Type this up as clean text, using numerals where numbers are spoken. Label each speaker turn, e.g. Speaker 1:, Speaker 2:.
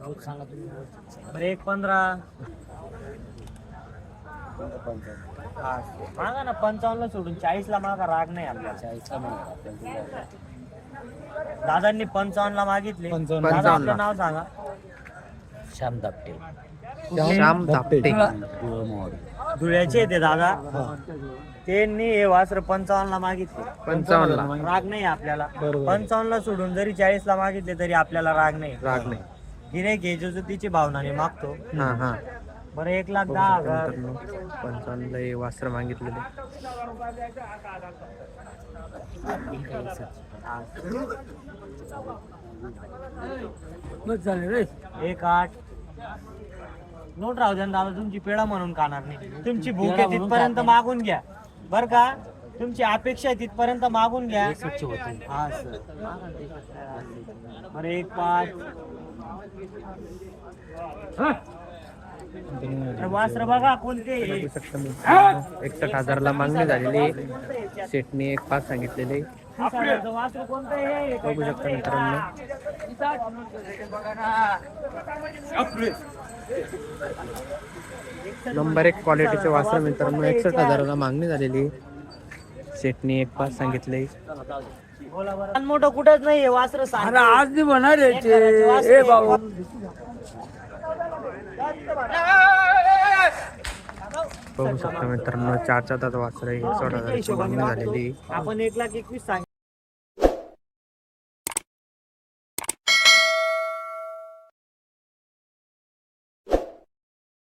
Speaker 1: बरं 1.15. मागा ना 55 सोडून 40 ला मागा, राग नाही आपल्याला. 40 ला मागा. दादांनी 55 ला मागितले. दादा आपलं नाव सांगा. श्याम धापटे.
Speaker 2: श्याम धापटे
Speaker 1: धुळ्याचे ते दादा. त्यांनी हे वासर 55 ला मागितले.
Speaker 2: 55 ला
Speaker 1: राग नाही आपल्याला. 55 ला सोडून जरी 40 ला मागितले तरी आपल्याला राग नाही. गिऱ्हाईक घ्यायची तिची भावनाने मागतो.
Speaker 2: हा
Speaker 1: बरं 1,10,000.
Speaker 2: 55 ला हे वासर मागितलेले.
Speaker 1: एक 8. नोट राहू द्या ना दादा, तुमची पेढा म्हणून खाणार नाही. तुमची भूक आहे तिथपर्यंत मागून घ्या बर का. तुमची अपेक्षा आहे तिथपर्यंत मागून घ्या. हा सर. बरं 1,5. वासर बघा कोणते.
Speaker 2: 61,000 ला मागणी झालेली. सेटने 1,5 सांगितलेले.
Speaker 1: वासर कोणतं आहे
Speaker 2: बघू शकता मित्रांनो. नंबर 1 क्वालिटीचे वासर मित्रांनो. 61,000 ला मागणी झालेली. सेटने 1,5 सांगितले.
Speaker 1: मोठं कुठंच नाहीये वासर.
Speaker 3: आज नाही होणार आहे भाऊ.
Speaker 2: बघू शकता मित्रांनो 4 दात वासर आहे. 61,000 ची मागणी झालेली.
Speaker 1: आपण 1,21,000 सांगितलं.